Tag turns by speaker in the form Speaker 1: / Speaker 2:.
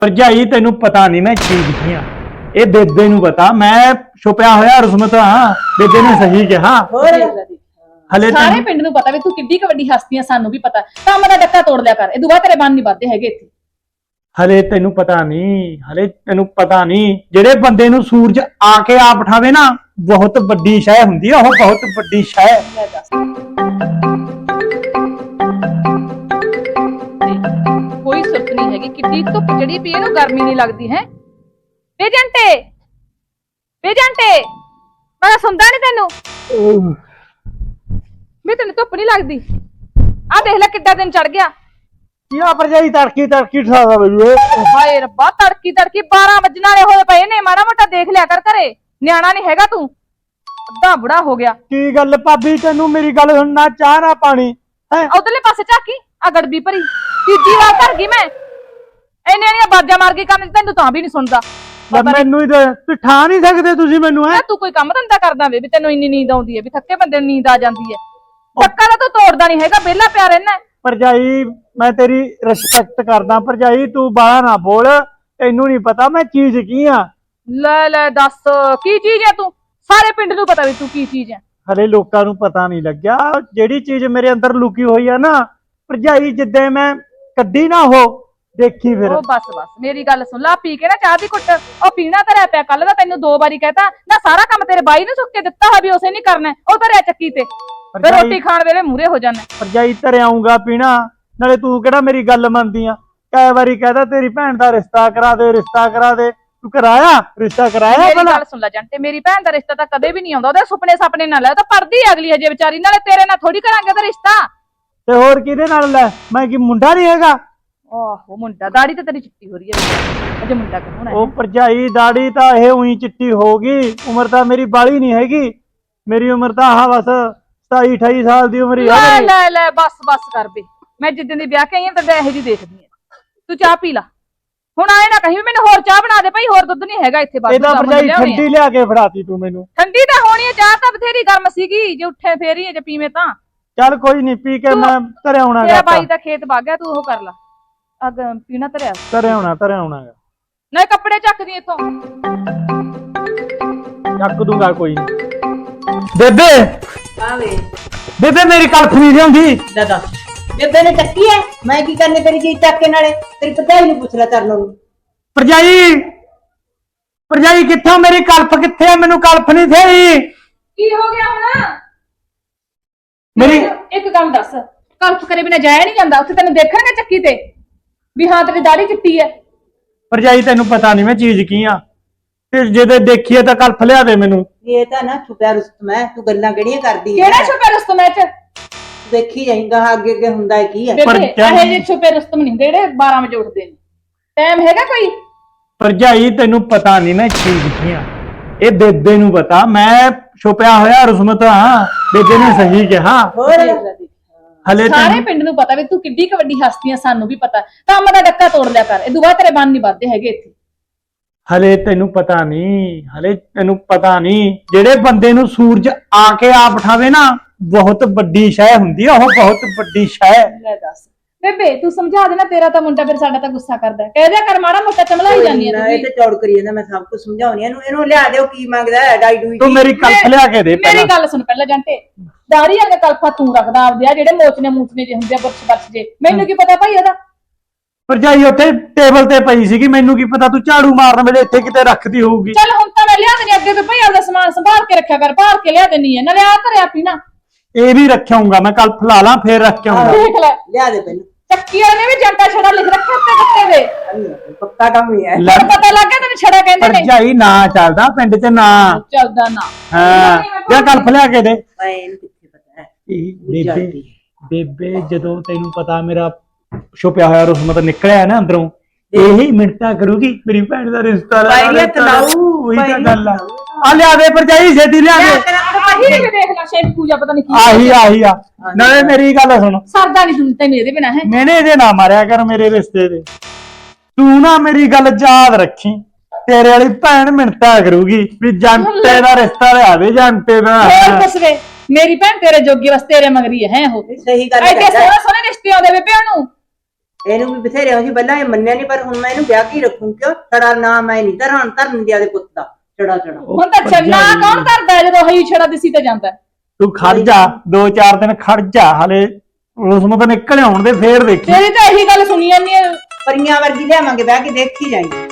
Speaker 1: ਭਰਜਾਈ ਤੈਨੂੰ ਪਤਾ ਨਹੀਂ ਮੈਂ ਚੀਜ਼ ਕੀ ਆ। ਇਹ ਬੇਬੇ ਨੂੰ ਪਤਾ, ਮੈਂ ਛੁਪਿਆ ਹੋਇਆ ਰਸਮਤ ਹਾਂ। ਬੇਬੇ ਨੇ ਸਹੀ ਕਿਹਾ। ਹਲੇ
Speaker 2: ਸਾਰੇ ਪਿੰਡ ਨੂੰ ਪਤਾ ਵੀ ਤੂੰ ਕਿੱਡੀ ਕ ਵੱਡੀ ਹਸਤੀ ਆ, ਸਾਨੂੰ ਵੀ ਪਤਾ। ਕੰਮ ਦਾ ਡੱਕਾ ਤੋੜ ਲਿਆ ਕਰ, ਇਹ ਦੁਬਾਰਾ ਤੇਰੇ ਬੰਨ ਨਹੀਂ ਵੱਧਦੇ ਹੈਗੇ ਇੱਥੇ।
Speaker 1: ਹਲੇ ਤੈਨੂੰ ਪਤਾ ਨਹੀਂ, ਜਿਹੜੇ ਬੰਦੇ ਨੂੰ ਸੂਰਜ ਆ ਕੇ ਆ ਬਿਠਾਵੇ ਨਾ, ਬਹੁਤ ਵੱਡੀ ਸ਼ੈ ਹੁੰਦੀ ਆ ਉਹ, ਬਹੁਤ ਵੱਡੀ ਸ਼ੈ।
Speaker 2: ਕੋਈ ਸੁਰਤ ਨਹੀਂ ਹੈਗੀ, ਕਿੱਡੀ ਧੁੱਪ ਚੜੀ ਪਈ, ਇਹਨੂੰ ਗਰਮੀ ਨਹੀਂ ਲੱਗਦੀ ਹੈ। ਬੇਜੰਟੇ ਮੈਂ ਸੁਣਦਾ ਨਹੀਂ ਤੈਨੂੰ ਵੀ ਤੈਨੂੰ ਧੁੱਪ ਨਹੀਂ ਲੱਗਦੀ। ਆ ਦੇਖ ਲੈ ਕਿੱਡਾ ਦਿਨ ਚੜ ਗਿਆ।
Speaker 1: ਯਾ ਭਰਜਾਈ ਤੜਕੀ ਠਾਦਾ ਬਈ।
Speaker 2: ਹਾਏ ਰੱਬਾ, ਤੜਕੀ 12 ਵੱਜਣ ਵਾਲੇ ਹੋਏ ਪਏ ਨੇ। ਮਾੜਾ ਮੋਟਾ ਦੇਖ ਲਿਆ ਕਰ ਘਰੇ, ਨਿਆਣਾ ਨਹੀਂ ਹੈਗਾ ਤੂੰ, ਅੱਧਾ ਬੁੜਾ ਹੋ ਗਿਆ।
Speaker 1: ਕੀ ਗੱਲ ਭਾਬੀ, ਤੈਨੂੰ ਮੇਰੀ ਗੱਲ ਸੁਣਨਾ, ਚਾਹ ਨਾ ਪਾਣੀ ਹੈ?
Speaker 2: ਉਧਰਲੇ ਪਾਸੇ ਝਾਕੀ, ਆ ਗੜਬੀ ਭਰੀ ਤੀਜੀ ਵਾਰ ਕਰ ਗਈ ਮੈਂ। ਇੰਨੀਆਂ ਬਾਜਾਂ ਮਾਰ ਕੇ ਕੰਮ ਤੈਨੂੰ ਤਾਂ ਵੀ ਨਹੀਂ ਸੁਣਦਾ।
Speaker 1: ਮੈਨੂੰ ਹੀ ਠਾ ਨਹੀਂ ਸਕਦੇ ਤੁਸੀਂ ਮੈਨੂੰ ਹੈ?
Speaker 2: ਤੂੰ ਕੋਈ ਕੰਮ ਧੰਦਾ ਕਰਦਾ ਵੇ ਵੀ ਤੈਨੂੰ ਇੰਨੀ ਨੀਂਦ ਆਉਂਦੀ ਹੈ, ਵੀ ਥੱਕੇ ਬੰਦੇ ਨੂੰ ਨੀਂਦ ਆ ਜਾਂਦੀ ਹੈ। ਧੱਕਾ ਤਾਂ ਤੂੰ ਤੋੜਦਾ ਨਹੀਂ ਹੈਗਾ, ਵਿਹਲਾ ਪਿਆ ਰਹਿਣਾ।
Speaker 1: ਭਰਜਾਈ ਮੈਂ ਤੇਰੀ ਰਿਸਪੈਕਟ ਕਰਦਾ ਭਰਜਾਈ, ਤੂੰ ਬਾਹਲਾ ਨਾ ਬੋਲ। ਤੈਨੂੰ ਨਹੀਂ ਪਤਾ ਮੈਂ ਚੀਜ਼ ਕੀ ਆ।
Speaker 2: ਲੈ ਦੱਸ ਕੀ ਚੀਜ਼ ਹੈ ਤੂੰ? ਸਾਰੇ ਪਿੰਡ ਨੂੰ ਪਤਾ ਵੀ ਤੂੰ ਕੀ ਚੀਜ਼ ਹੈ।
Speaker 1: ਹਲੇ ਲੋਕਾਂ ਨੂੰ ਪਤਾ ਨਹੀਂ ਲੱਗਿਆ ਜਿਹੜੀ ਚੀਜ਼ ਮੇਰੇ ਅੰਦਰ ਲੁਕੀ ਹੋਈ ਆ ਨਾ ਭਰਜਾਈ, ਜਿੱਦੇ ਮੈਂ ਕੱਢੀ ਨਾ ਉਹ ਦੇਖੀ ਫਿਰ।
Speaker 2: ਉਹ ਬਸ ਮੇਰੀ ਗੱਲ ਸੁਣ ਲਾ, ਪੀ ਕੇ ਨਾ ਚਾਹ ਦੀ ਘੁੱਟ। ਉਹ ਪੀਣਾ ਧਰਿਆ ਪਿਆ, ਕੱਲ ਦਾ ਤੈਨੂੰ 2 ਵਾਰੀ ਕਹਿਤਾ ਨਾ। ਸਾਰਾ ਕੰਮ ਤੇਰੇ ਬਾਈ ਨੇ ਸੁੱਕ ਕੇ ਦਿੱਤਾ ਹੋਇਆ ਵੀ ਉਸੇ ਨਹੀਂ ਕਰਨਾ, ਉਹ ਧਰਿਆ ਚੱਕੀ ਤੇ, ਫਿਰ ਰੋਟੀ ਖਾਣ ਵੇਲੇ ਮੂਰੇ ਹੋ ਜਾਣਾ।
Speaker 1: ਭਰਜਾਈ ਧਰ ਆਉਂਗਾ ਪੀਣਾ, ਨਾਲੇ ਤੂੰ ਕਿਹੜਾ ਮੇਰੀ ਗੱਲ ਮੰਨਦੀ ਆ? ਕਈ ਵਾਰੀ ਕਹਦਾ ਤੇਰੀ ਭੈਣ ਦਾ ਰਿਸ਼ਤਾ ਕਰਾ ਦੇ, ਤੂੰ ਕਰਾਇਆ ਰਿਸ਼ਤਾ? ਕਰਾਇਆ?
Speaker 2: ਮੇਰੀ ਗੱਲ ਸੁਣ ਲੈ ਜੰਟੇ, ਮੇਰੀ ਭੈਣ ਦਾ ਰਿਸ਼ਤਾ ਤਾਂ ਕਦੇ ਵੀ ਨਹੀਂ ਆਉਂਦਾ। ਉਹਦੇ ਸੁਪਨੇ ਨਾ ਲੈ, ਉਹ ਤਾਂ ਪੜਦੀ ਅਗਲੀ ਹਜੇ ਵਿਚਾਰੀ। ਨਾਲੇ ਤੇਰੇ ਨਾਲ ਥੋੜੀ ਕਰਾਂਗੇ ਉਹਦਾ ਰਿਸ਼ਤਾ।
Speaker 1: ਤੇ ਹੋਰ ਕਿਹਦੇ ਨਾਲ ਲੈ? ਮੈਂ ਕੀ ਮੁੰਡਾ ਨਹੀਂ ਹੈਗਾ?
Speaker 2: ਆਹੋ ਮੁੰਡਾ, ਦਾੜੀ ਤੇ ਤੇਰੀ ਚਿੱਟੀ ਹੋ ਰਹੀ ਹੈ ਅਜੇ, ਮੁੰਡਾ ਕਿਹਨੂੰ ਹੈ?
Speaker 1: ਉਹ ਭਰਜਾਈ ਦਾੜੀ ਤਾਂ ਇਹ ਉਹੀ ਚਿੱਟੀ ਹੋ ਗਈ, ਉਮਰ ਤਾਂ ਮੇਰੀ ਬਾਲੀ ਨਹੀਂ ਹੈਗੀ। ਮੇਰੀ ਉਮਰ ਤਾਂ ਆਹ ਬਸ 27-28 ਸਾਲ ਦੀ ਉਮਰ ਹੀ ਆ।
Speaker 2: ਲੈ ਬਸ ਕਰ ਬੇ। ਮੈਂ ਜਿੱਦਣ ਦੀ ਵਿਆਹ ਕੇ ਆਈ ਹਾਂ ਤਾਂ ਇਹੋ ਜਿਹੀ ਦੇਖਦੀ ਆ। ਤੂੰ ਚਾਹ ਪੀ ਲਾ ਹੁਣ, ਆਏ ਨਾ ਕਹੀਂ ਮੈਨੂੰ ਹੋਰ ਚਾਹ ਬਣਾ ਦੇ ਭਾਈ, ਹੋਰ ਦੁੱਧ ਨਹੀਂ ਹੈਗਾ ਇੱਥੇ। ਬਸ
Speaker 1: ਇਹਦਾ ਭਰਜਾਈ ਠੰਡੀ ਲਿਆ ਕੇ ਫੜਾਤੀ ਤੂੰ ਮੈਨੂੰ।
Speaker 2: ਠੰਡੀ ਤਾਂ ਹੋਣੀ ਹੈ, ਚਾਹ ਤਾਂ ਬਥੇਰੀ ਗਰਮ ਸੀਗੀ, ਜੇ ਉੱਠੇ ਫੇਰ ਹੀ ਜੇ ਪੀਵੇਂ ਤਾਂ।
Speaker 1: ਚੱਲ ਕੋਈ ਨਹੀਂ, ਪੀ ਕੇ ਮੈਂ ਧਰਿਆ ਆਉਣਾ।
Speaker 2: ਤੇਰਾ ਬਾਈ ਦਾ ਖੇਤ ਵਗ ਗਿਆ, ਤੂੰ ਉਹ ਕਰ ਲਾ। ਅਗ ਪੀਣਾ ਧਰਿਆ
Speaker 1: ਆਉਣਾ
Speaker 2: ਨਾ, ਕੱਪੜੇ ਚੱਕਦੀ ਇੱਥੋਂ।
Speaker 1: ਚੱਕ ਦੂੰਗਾ ਕੋਈ ਨਹੀਂ। ਬੇਬੇ ਮੇਰੀ ਕਲਫ ਨਹੀਂ ਲਿਆਉਂਦੀ।
Speaker 3: ਬੇਬੇ ਨੇ ਚੱਕੀ ਐ, ਮੈਂ ਕੀ ਕਰਨੇ ਤੇਰੀ ਚੀਜ਼ ਚੱਕ ਕੇ? ਨਾਲੇ ਤੇਰੀ ਭਰਜਾਈ ਨੂੰ ਪੁੱਛ ਲੈ ਤਰਨੋਂ ਨੂੰ।
Speaker 1: ਭਰਜਾਈ ਕਿੱਥੋਂ? ਮੇਰੀ ਕਲਫ ਕਿੱਥੇ ਆ? ਮੈਨੂੰ ਕਲਫ ਨਹੀਂ ਥਈ।
Speaker 2: ਕੀ ਹੋ ਗਿਆ ਹੁਣ?
Speaker 1: ਮੇਰੀ
Speaker 2: ਇੱਕ ਗੱਲ ਦੱਸ, ਕਲਫ ਕਰੇ ਬਿਨਾ ਜਾਇਆ ਨਹੀਂ ਜਾਂਦਾ? ਉੱਥੇ ਤੈਨੂੰ ਦੇਖਣਗੇ ਚੱਕੀ ਤੇ ਵੀ ਹਾਂ ਤੇਰੀ ਦਾੜੀ ਚਿੱਟੀ ਐ।
Speaker 1: ਭਰਜਾਈ ਤੈਨੂੰ ਪਤਾ ਨਹੀਂ ਮੈਂ ਚੀਜ਼ ਕੀ ਆ, ਤੇ ਜੇ ਦੇਖੀਏ ਤਾਂ ਕਲਫ ਲਿਆ ਦੇ ਮੈਨੂੰ।
Speaker 3: ਇਹ ਤਾਂ ਨਾ ਛੁਪਿਆ ਰੁਸਤਮ ਐ, ਤੂੰ ਗੱਲਾਂ ਕਿਹੜੀਆਂ ਕਰਦੀ ਐ?
Speaker 2: ਕਿਹੜਾ ਛੁਪੇ ਰੁਸਤਮ ਐ ਚ?
Speaker 3: ਦੇਖੀ ਜਾਈਂਗਾ ਅੱਗੇ ਹੁੰਦਾ ਕੀ ਐ।
Speaker 2: ਇਹ ਜੇ ਛੁਪੇ ਰੁਸਤਮ ਨਹੀਂ ਜਿਹੜੇ 12 ਵਜੇ ਉੱਠਦੇ ਨੇ। ਟਾਈਮ ਹੈਗਾ ਕੋਈ?
Speaker 1: ਭਰਜਾਈ ਤੈਨੂੰ ਪਤਾ ਨਹੀਂ ਮੈਂ ਚੀਜ਼ ਕੀ ਆ। ਇਹ ਬੇਬੇ ਨੂੰ ਪਤਾ, ਮੈਂ ਛੁਪਿਆ ਹੋਇਆ ਰਸਮਤ ਹਾਂ। ਬੇਬੇ ਨੇ ਸਹੀ ਕਿਹਾ। ਹਲੇ
Speaker 2: ਸਾਰੇ ਪਿੰਡ ਨੂੰ ਪਤਾ ਵੀ ਤੂੰ ਕਿੱਡੀ ਕ ਵੱਡੀ ਹਸਤੀ ਆ, ਸਾਨੂੰ ਵੀ ਪਤਾ। ਕੰਮ ਦਾ ਡੱਕਾ ਤੋੜ ਲਿਆ ਕਰ, ਇਹ ਦੁਬਾਰਾ ਤੇਰੇ ਬੰਨ ਨਹੀਂ ਵੱਧਦੇ ਹੈਗੇ ਇੱਥੇ।
Speaker 1: ਹਲੇ ਤੈਨੂੰ ਪਤਾ ਨਹੀਂ, ਜਿਹੜੇ ਬੰਦੇ ਨੂੰ ਸੂਰਜ ਆ ਕੇ ਆ ਬਿਠਾਵੇ ਨਾ, ਬਹੁਤ ਵੱਡੀ ਸ਼ੈ ਹੁੰਦੀ ਆ ਉਹ, ਬਹੁਤ ਵੱਡੀ ਸ਼ੈ।
Speaker 2: ਲੈ ਦੱਸ ਬੇਬੇ, ਤੂੰ ਸਮਝਾ ਦੇ ਨਾ। ਤੇਰਾ ਤਾਂ ਮੁੰਡਾ ਫਿਰ ਸਾਡਾ ਤਾਂ ਗੁੱਸਾ ਕਰਦਾ। ਕਹਿ ਦਿਆ ਕਰ ਮਾੜਾ ਮੋਟਾ ਚਮਲਾਈ ਜਾਂਦੀ ਆ
Speaker 3: ਇਹ ਤੇ ਚੌੜ ਕਰੀ ਜਾਂਦਾ। ਮੈਂ ਸਭ ਕੁਝ ਸਮਝਾਉਣੀ ਇਹਨੂੰ ਲਿਆ ਦਿਓ, ਕੀ ਮੰਗਦਾ ਹੈ? ਡਾਈ ਡੂਈ
Speaker 1: ਤੂੰ ਮੇਰੀ ਕਲਫ ਲਿਆ ਕੇ ਦੇ।
Speaker 2: ਮੇਰੀ ਗੱਲ ਸੁਣ ਪਹਿਲਾਂ ਜੰਟੇ, ਦਾੜੀ ਵਾਲੇ ਕਲਫਾ ਤੂੰ ਰੱਖਦਾ ਆਪਦੇ ਆ, ਜਿਹੜੇ ਮੂਚਨੇ ਜੇ ਹੁੰਦੇ ਆ, ਬਰਛ ਜੇ। ਮੈਨੂੰ ਕੀ ਪਤਾ ਭਾਈ ਇਹਦਾ?
Speaker 1: ਭਰਜਾਈ ਉੱਥੇ ਟੇਬਲ ਤੇ ਪਈ ਸੀਗੀ, ਮੈਨੂੰ ਕੀ ਪਤਾ ਤੂੰ ਝਾੜੂ ਮਾਰਨ ਵੇਲੇ ਇੱਥੇ ਕਿਤੇ ਰੱਖਦੀ ਹੋਊਗੀ।
Speaker 2: ਚੱਲ ਹੁਣ ਤਾਂ ਮੈਂ ਲਿਆ ਦੇਣੀ, ਅੱਗੇ ਤੋਂ ਭਾਈ ਆਪਦਾ ਸਮਾਨ ਸੰਭਾਲ ਕੇ ਰੱਖਿਆ ਕਰ, ਭਾਲ ਕੇ ਲਿਆ ਦੇਣੀ ਹੈ। ਨਾਲੇ ਆ ਧਰਿਆ ਪੀਣਾ
Speaker 1: ਇਹ ਵੀ ਰੱਖਿਆਉਂਗਾ ਮੈਂ, ਕਲਫ ਲਾ ਲਾਂ ਫੇਰ ਰੱਖਿਆਉਂਗਾ।
Speaker 2: ਦੇਖ ਲੈ,
Speaker 3: ਲਿਆ ਦੇ ਪਹਿਲਾਂ।
Speaker 2: ਚੱਕੀ ਵਾਲੇ ਨੇ ਵੀ ਜੰਟਾ ਛੜਾ ਲਿਖ ਰੱਖਿਆ ਉੱਤੇ ਕੱਤੇ ਦੇ।
Speaker 3: ਪੱਕਾ ਕੰਮ ਹੀ ਹੈ।
Speaker 2: ਤੈਨੂੰ ਪਤਾ ਲੱਗ ਗਿਆ ਤੈਨੂੰ ਛੜਾ ਕਹਿੰਦੇ ਨੇ?
Speaker 1: ਭਰਜਾਈ ਨਾ ਚੱਲਦਾ ਪਿੰਡ 'ਚ ਨਾ
Speaker 2: ਚੱਲਦਾ ਨਾ।
Speaker 1: ਹਾਂ, ਜਾਂ ਕਲਫ ਲਿਆ ਕੇ ਦੇ।
Speaker 3: ਇਹਨੂੰ ਕਿੱਥੇ ਪਤਾ ਹੈ?
Speaker 1: ਬੇਬੇ ਜਦੋਂ ਤੈਨੂੰ ਪਤਾ ਮੇਰਾ ਛੁਪਿਆ ਹੋਇਆ ਰਸਮਤ ਨਿਕਲਿਆ ਨਾ ਅੰਦਰੋਂ, ਇਹੀ ਮਿੰਟਾਂ ਕਰੂਗੀ ਮੇਰੀ ਭੈਣ ਦਾ ਰਿਸ਼ਤਾ। ਉਹੀ ਤਾਂ ਗੱਲ ਆ ਲਿਆ ਦੇ ਭਰਜਾਈ, ਛੇਤੀ ਲਿਆ ਦੇ।
Speaker 2: ਆਹੀ ਵੀ ਦੇਖ ਲੈ, ਸ਼ੈਂਪੂ ਪੂਜਾ ਪਤਾ ਨਹੀਂ ਕੀ
Speaker 1: ਆਹੀ ਆ। ਨਾਲੇ ਮੇਰੀ ਗੱਲ ਸੁਣ,
Speaker 2: ਸਰਦਾ ਨਹੀਂ ਤੂੰ ਤੈਨੂੰ ਇਹਦੇ ਬਿਨਾ ਹੈ।
Speaker 1: ਮੈਨੇ ਇਹਦੇ ਨਾ ਮਾਰਿਆ ਕਰ ਮੇਰੇ ਰਿਸ਼ਤੇ ਦੇ। ਤੂੰ ਨਾ ਮੇਰੀ ਗੱਲ ਯਾਦ ਰੱਖੀ, ਤੇਰੇ ਵਾਲੀ ਭੈਣ ਮਿੰਟਾਂ ਕਰੂਗੀ ਵੀ ਜੰਟੇ ਦਾ ਰਿਸ਼ਤਾ ਲਿਆਵੇ, ਜੰਟੇ ਦਾ।
Speaker 2: ਹੋਰ ਕੁਛ ਵੇ, ਮੇਰੀ ਭੈਣ ਤੇਰੇ ਜੋਗੀ ਬਸ ਤੇਰੇ ਮਗਰੀ ਹੈ ਉਹ।
Speaker 3: ਸਹੀ ਗੱਲ
Speaker 2: ਐਡੇ ਸੋਹਣੇ ਰਿਸ਼ਤੇ ਆਉਂਦੇ ਵੇ ਭੈਣ ਨੂੰ।
Speaker 3: ਇਹਨੂੰ ਵੀ ਬਥੇਰੇ ਅਸੀਂ ਪਹਿਲਾਂ ਇਹ ਮੰਨਿਆ ਨਹੀਂ, ਪਰ ਹੁਣ ਮੈਂ ਇਹਨੂੰ ਵਿਆਹ ਕੇ ਰੱਖੂ। ਕਿਉਂ ਛੜਾ ਨਾ ਮੈਂ ਨਹੀਂ ਧਰਨ ਦਿਆ ਦੇ ਪੁੱਤ ਦਾ ਛੜਾ।
Speaker 2: ਹੁਣ ਤਾਂ ਛੰਨਾ ਕੌਣ ਕਰਦਾ ਹੈ ਜਦੋਂ ਹਈ ਛੜਾ ਦਿਸੀ ਤੇ ਜਾਂਦਾ?
Speaker 1: ਤੂੰ ਖੜ ਜਾ 2-4 ਦਿਨ ਖੜ ਜਾ, ਹਲੇ ਉਸ ਨੂੰ ਤਾਂ ਨਿਕਲ ਆਉਣ ਦੇ, ਫੇਰ ਦੇਖੀ।
Speaker 2: ਤੇਰੀ ਤਾਂ ਇਹੀ ਗੱਲ ਸੁਣੀ ਜਾਂਦੀ ਹੈ।
Speaker 3: ਪਰੀਆਂ ਵਰਗੀ ਲਿਆਵਾਂਗੇ, ਬਹਿ ਕੇ ਦੇਖੀ ਜਾਈਂ।